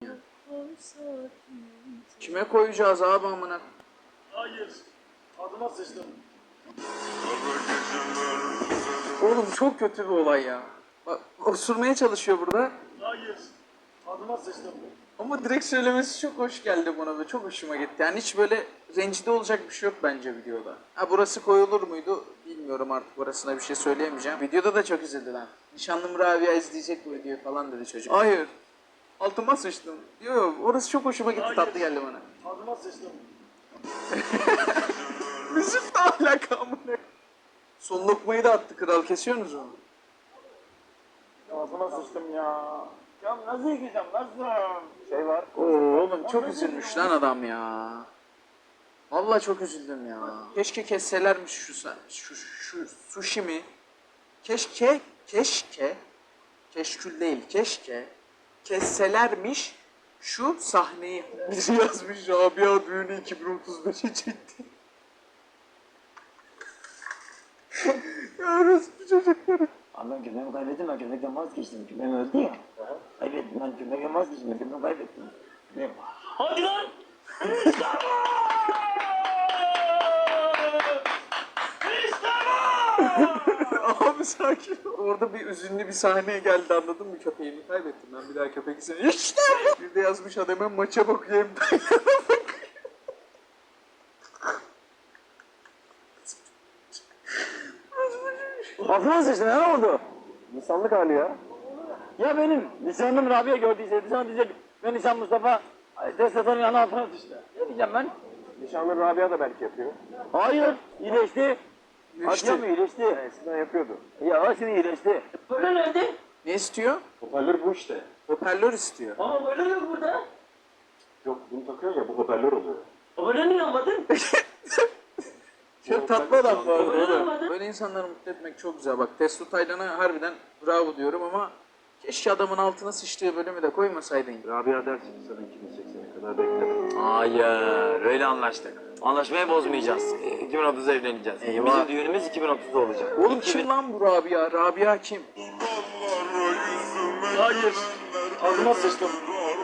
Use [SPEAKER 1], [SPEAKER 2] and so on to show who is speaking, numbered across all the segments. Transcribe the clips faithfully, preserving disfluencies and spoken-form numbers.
[SPEAKER 1] Kime koyacağız abi amına?
[SPEAKER 2] Hayır. Adıma sıçtım.
[SPEAKER 1] Oğlum çok kötü bir olay ya. Bak osurmaya çalışıyor burada.
[SPEAKER 2] Hayır. Adıma sıçtım.
[SPEAKER 1] Ama direkt söylemesi çok hoş geldi bana ve çok hoşuma gitti. Yani hiç böyle rencide olacak bir şey yok bence videoda. Ha burası koyulur muydu bilmiyorum, artık orasına bir şey söyleyemeyeceğim. Videoda da çok üzüldü lan. Nişanlım Rabia izleyecek bu videoyu falan dedi çocuk. Hayır. Altıma sıçtım. Yok yok, orası çok hoşuma gitti. Hayır. Tatlı geldi bana.
[SPEAKER 2] Adıma sıçtım.
[SPEAKER 1] Müzik de alaka amına. Son lokmayı da attı kral, kesiyorsunuz onu.
[SPEAKER 2] Adıma sıçtım ya. Ya nasıl yıkayacağım, nasıl? Şey var.
[SPEAKER 1] Oo oğlum çok üzülmüş lan adam ya. Vallahi çok üzüldüm ya. Keşke kesselermiş şu şu şu sushi mi? Keşke keşke keşkül değil keşke kesselermiş şu sahneyi. Biri yazmış Rabia düğünü iki bin otuz beşe çekti. Ya orospu çocukları.
[SPEAKER 3] Abi ben köpeğimi kaybettim, ben köpekten vazgeçtim. Köpeğim öldü ya. Kaybettim, ben köpekten vazgeçtim, köpeğimi kaybettim. Köpeğim... Hadi lan! İşte bu! İşte bu!
[SPEAKER 1] Abi sakin ol. Orada bir üzünlü bir sahneye geldi, anladın mı? Köpeğimi kaybettim ben, bir daha köpek istedim. İşte bu! Bir de yazmış adam, hem maça bakıyor hem de
[SPEAKER 3] Aklına sıçtı, ne oldu? İnsanlık hali ya. Ya benim nişanlım Rabia gördüyse, nişan diyecek, ben nişan Mustafa, Destet'in yanı altına sıçtı. Ne diyeceğim ben?
[SPEAKER 2] Nişanlı Rabia da belki yapıyor.
[SPEAKER 3] Hayır, iyileşti.
[SPEAKER 1] İyileşti.
[SPEAKER 3] Atıyor mu iyileşti?
[SPEAKER 2] Eskiden yapıyordu.
[SPEAKER 3] Ya şimdi iyileşti. Böyle nerede?
[SPEAKER 1] ne istiyor?
[SPEAKER 2] Hoparlör bu işte.
[SPEAKER 1] Hoparlör istiyor.
[SPEAKER 3] Ama böyle yok burada.
[SPEAKER 2] Yok bunu takıyorsun ya, bu hoparlör oluyor.
[SPEAKER 3] Böyle niye almadın?
[SPEAKER 1] Çok tatlı adam bu arada.
[SPEAKER 3] Öyle
[SPEAKER 1] oğlum.
[SPEAKER 3] mi?
[SPEAKER 1] Böyle insanları mutlu etmek çok güzel. Bak Testo Taylan'a harbiden bravo diyorum ama keşke adamın altına sıçtığı bölümü de koymasaydın.
[SPEAKER 2] Rabia dersin sana iki bin seksene kadar bekle.
[SPEAKER 3] Hayır, öyle anlaştık. Anlaşmayı bozmayacağız. iki bin otuzda evleneceğiz.
[SPEAKER 1] Eyvah.
[SPEAKER 3] Bizim düğünümüz iki bin otuzda olacak.
[SPEAKER 1] Oğlum kim lan bu Rabia? Rabia kim?
[SPEAKER 2] Hayır. Adıma sıçtım.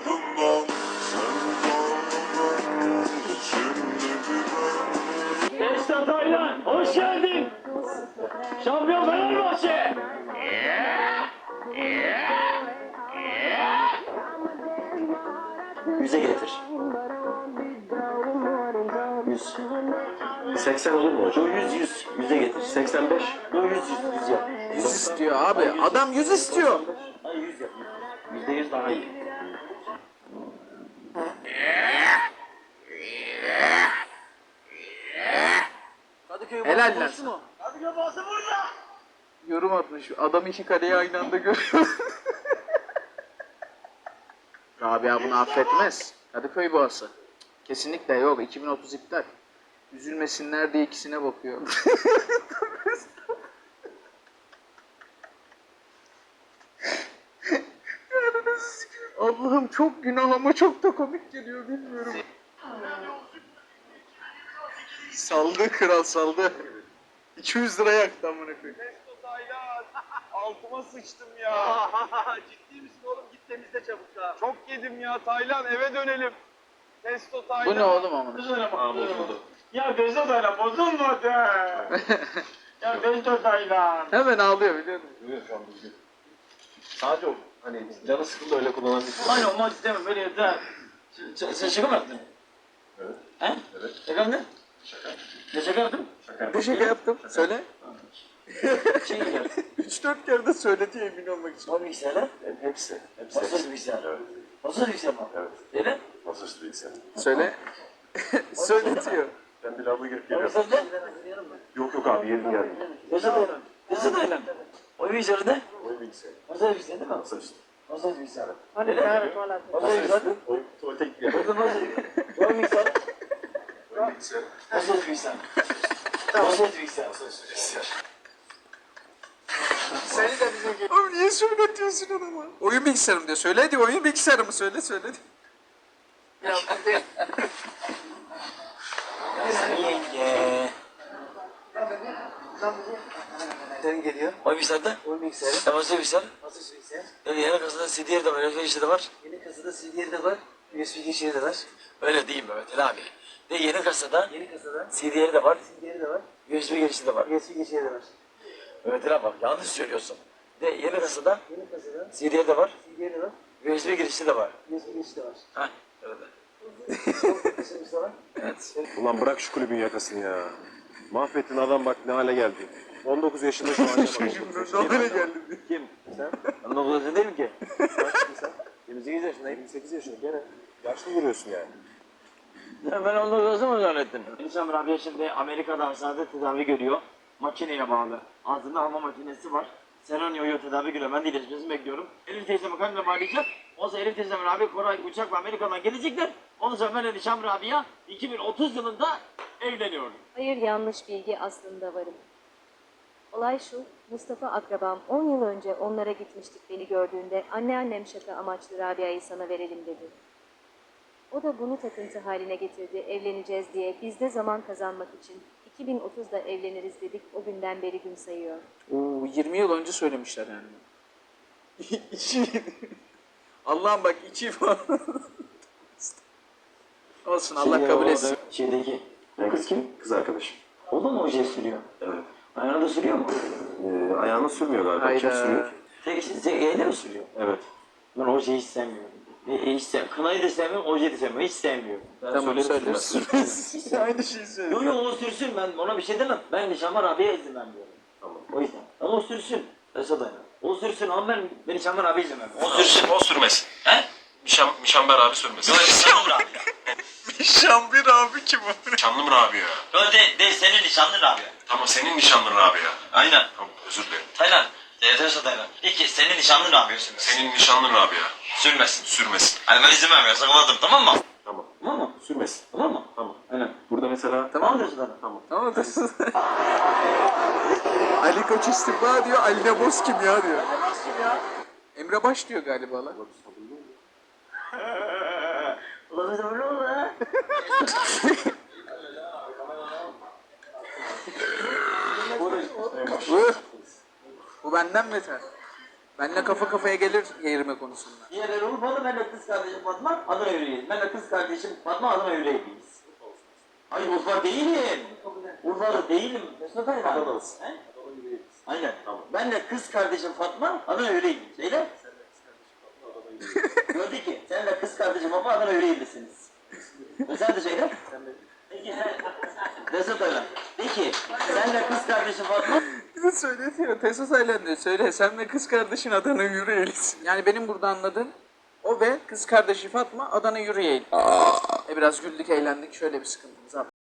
[SPEAKER 3] Esra Taylan, hoş geldin. Şampiyon Fenerbahçe. Yüze getir. Yüz.
[SPEAKER 2] seksen olur mu hocam?
[SPEAKER 3] Yo yüz yüz. Yüze getir.
[SPEAKER 2] seksen beş.
[SPEAKER 3] Yo yüz yüz. Yüz yap.
[SPEAKER 1] Yüz istiyor abi. Adam yüz istiyor.
[SPEAKER 3] Hayır yüz yap. Yüzde yüz daha iyi. Kadıköy
[SPEAKER 1] Helal lan
[SPEAKER 3] boş
[SPEAKER 1] sana.
[SPEAKER 3] mu? Kadıköy boşu burada.
[SPEAKER 1] Yorum atmış. Adam iki kareyi aynı anda görüyor. Rabia bunu affetmez. Kadıköy boğası. Kesinlikle yok. iki bin otuz iptal. Üzülmesinler diye ikisine bakıyor. Allah'ım çok günah ama çok da komik geliyor, bilmiyorum. Saldı kral, saldı. iki yüz lira yaktı amına koyayım.
[SPEAKER 2] Testo Taylan. Altıma sıçtım ya. Ciddi misin oğlum? Git temizle çabuk ha. Çok yedim ya Taylan, eve dönelim. Testo Taylan.
[SPEAKER 1] Bu ne oğlum amına?
[SPEAKER 2] Aa, bozuldu.
[SPEAKER 3] Ya Testo Taylan bozulmadı. Ya Testo Taylan.
[SPEAKER 1] Hemen ağlıyor biliyor musun?
[SPEAKER 2] Duyuyor şu an düzgün. Sadece o hani canı sıkıldı öyle kullanabilirsin.
[SPEAKER 3] Aynen olmak istemem böyle yeter. Sen, sen şaka mı yaptın?
[SPEAKER 2] Evet.
[SPEAKER 3] He?
[SPEAKER 2] Evet.
[SPEAKER 3] Şaka mı ne?
[SPEAKER 2] Şaka.
[SPEAKER 3] Ne şaka yaptın?
[SPEAKER 2] Şaka.
[SPEAKER 1] Bir şaka yaptım. Söyle.
[SPEAKER 3] Şey yaptın.
[SPEAKER 1] üç dört kere de söyledi emin olmak için.
[SPEAKER 3] O bilgisayarlar?
[SPEAKER 2] Hepsi. Hepsi.
[SPEAKER 3] Masaüstü bilgisayar.
[SPEAKER 2] Evet.
[SPEAKER 3] Masaüstü bilgisayar mı?
[SPEAKER 2] Evet.
[SPEAKER 3] Evet.
[SPEAKER 2] Masaüstü bilgisayar.
[SPEAKER 1] Söyle. Söyletiyor.
[SPEAKER 2] Ben bir lavaboya girip geliyorum.
[SPEAKER 3] Masaüstü?
[SPEAKER 2] Yok yok abi yedim geldim.
[SPEAKER 3] Testo Taylan. Testo Taylan. O bilgisayarı ne?
[SPEAKER 2] Oyun bilgisayarı.
[SPEAKER 3] Masaüstü bilgisayar değil mi?
[SPEAKER 2] Masaüstü.
[SPEAKER 3] Masaüstü bilgisayar.
[SPEAKER 1] Hani
[SPEAKER 3] Evet. Masaüstü bilgisayar.
[SPEAKER 2] Oyun tuvalete gidiyor.
[SPEAKER 3] Orada masaüstü. O bilgisayar.
[SPEAKER 2] Oyun bilgisayarı.
[SPEAKER 3] Masaüstü bilgisayar. Masaüstü bilgisayar.
[SPEAKER 2] Masaüstü bilgisayar.
[SPEAKER 1] Seni de bize gel. Abi niye söyletiyorsun adama? Oyun bilgisayarım diyor. Söyle hadi, oyun bilgisayarımı söyle söyle.
[SPEAKER 3] Ya bu de... Yenge.
[SPEAKER 4] bilgisayarın geliyor.
[SPEAKER 3] O bilgisayarda.
[SPEAKER 4] Oyun bilgisayarı.
[SPEAKER 3] Temaslı bilgisayar.
[SPEAKER 4] Nasıl bilgisayar?
[SPEAKER 3] Yani yeni kasada C D R de var, U S B girişi de var.
[SPEAKER 4] Yeni kasada C D R de var. U S B girişi de var.
[SPEAKER 3] Öyle değil Mehmet Ali abi. De yeni kasada
[SPEAKER 4] Yeni kasada
[SPEAKER 3] C D R de var,
[SPEAKER 4] C D R de var.
[SPEAKER 3] U S B girişi de var.
[SPEAKER 4] U S B girişi de var.
[SPEAKER 3] Mehmet Ali abi bak yanlış söylüyorsun. De yeni kasada
[SPEAKER 4] Yeni kasada
[SPEAKER 3] C D R de var,
[SPEAKER 4] C D R de var.
[SPEAKER 3] U S B girişi de var.
[SPEAKER 4] U S B girişi de var.
[SPEAKER 3] Heh, öyle.
[SPEAKER 4] Kasımız da var.
[SPEAKER 3] Evet.
[SPEAKER 5] Ulan bırak şu kulübün yakasını ya. Mahvettin adam bak ne hale geldi. on dokuz yaşında şu an.
[SPEAKER 1] Ne hale geldi?
[SPEAKER 5] Kim? Sen?
[SPEAKER 3] Ben dokuz yaşında değilim ki.
[SPEAKER 5] Kaçsın sen? yirmi sekiz yaşındayım. yirmi sekiz yaşında gene. Yaşlı duruyorsun yani.
[SPEAKER 3] Ya ben on dokuz yaşında mı zannettin? Eniştem Rabia şimdi Amerika'da hastanede tedavi görüyor. Makineye bağlı. Ağzında hava makinesi var. Serenio'yu tedavi görüyor. Ben de iyileşmesini bekliyorum. Elif teyzemi kanla bağlayacak. Ondan sonra Elif teyzem Rabia Koray uçakla Amerika'dan gelecekler. Ondan sonra ben Eniştem Rabia iki bin otuz yılında evleniyorum.
[SPEAKER 6] Hayır, yanlış bilgi, aslında varım. Olay şu, Mustafa akrabam on yıl önce onlara gitmiştik beni gördüğünde anneannem şaka amaçlı Rabia'yı sana verelim dedi. O da bunu takıntı haline getirdi, evleneceğiz diye biz de zaman kazanmak için iki bin otuzda evleniriz dedik, o günden beri gün sayıyor.
[SPEAKER 1] Oo, yirmi yıl önce söylemişler yani. İçi. Allah'ım bak içi falan. Olsun Allah kabul etsin.
[SPEAKER 3] Şeydeki kız kim?
[SPEAKER 5] Kız arkadaşım.
[SPEAKER 3] O da mı oje sürüyor?
[SPEAKER 5] Evet.
[SPEAKER 3] Ayağına da sürüyor mu?
[SPEAKER 5] Ee, ayağını sürmüyor galiba. Kim
[SPEAKER 1] Hayda.
[SPEAKER 5] sürüyor?
[SPEAKER 3] Tek tek eyle mi sürüyor?
[SPEAKER 5] Evet.
[SPEAKER 3] Ben ojeyi hiç sevmiyorum. E, e, hiç sev Kınayı da sevmiyorum, ojeyi de sevmiyorum. Hiç sevmiyorum. Ben
[SPEAKER 1] Tamam
[SPEAKER 3] söylerim,
[SPEAKER 1] söyle.
[SPEAKER 3] sürmez.
[SPEAKER 1] Aynı şeyi
[SPEAKER 3] Yo
[SPEAKER 1] söyle.
[SPEAKER 3] yo o sürsün, ben ona bir şey demem. Ben Nişanlar abiye izin vermiyorum.
[SPEAKER 5] Tamam.
[SPEAKER 3] O yüzden. Ama o sürsün. Esad aynen. O sürsün ama ben, ben Nişanlar abiye izin vermiyorum. O sürsün.
[SPEAKER 5] O sürmesin.
[SPEAKER 3] He?
[SPEAKER 5] Mişam, Mişamber abi sürmesin.
[SPEAKER 3] Yo Nişanlar abi ya.
[SPEAKER 1] Şambir abi kim o?
[SPEAKER 5] Nişanlım abi ya.
[SPEAKER 3] Yo de, de senin Nişanlar abi ya.
[SPEAKER 5] Tamam senin nişanlın abi ya.
[SPEAKER 3] Aynen.
[SPEAKER 5] Tamam özür dilerim.
[SPEAKER 3] Taylan. Evet Esad aynen. İki senin Nişanlar abi sürmesin.
[SPEAKER 5] Senin nişanlın abi ya.
[SPEAKER 3] Sürmesin.
[SPEAKER 5] Sürmesin.
[SPEAKER 3] Hani ben izin vermiyorum. Sakınmadım, tamam mı?
[SPEAKER 5] Tamam.
[SPEAKER 3] Tamam mı?
[SPEAKER 5] Sürmesin.
[SPEAKER 3] Tamam mı?
[SPEAKER 5] Tamam.
[SPEAKER 3] Aynen.
[SPEAKER 5] Burada mesela...
[SPEAKER 1] Tamam
[SPEAKER 3] mı Esad aynen?
[SPEAKER 5] Tamam.
[SPEAKER 1] Tamam da. Ali Koç istifa diyor, Ali Neboz kim ya diyor. Emre Baş diyor galiba lan.
[SPEAKER 3] Ulan biz öyle oldu ha.
[SPEAKER 1] Bu, bu benden beter. Benle kafa kafaya gelir yerime konusunda.
[SPEAKER 3] Diğerleri Urfalı, ben de kız kardeşim Fatma, Adana yüreğiyiz. Ben de kız kardeşim Fatma, Adana yüreğiyiz. Hayır Urfa değilim. Urfalı değilim. Mesut Aynen.
[SPEAKER 5] Adanalısın.
[SPEAKER 3] He? Aynen. Tamam. Ben de kız kardeşim Fatma, Adana yüreğiyim. Söyle. Gördü ki, sen de kız kardeşim Fatma, Adana yüreğilisiniz. Ve sen de söyle. Peki sen, Mesut Aynen. De ki, sen de kız kardeşim Fatma,
[SPEAKER 1] Bize söyletiyor. Tesos Aylan diyor. Söyle sen ve kız kardeşin Adana Yüreğlisin. Yani benim burada anladığım o ve kız kardeşi Fatma Adana Yüreğli. E biraz güldük eğlendik. Şöyle bir sıkıntımız var.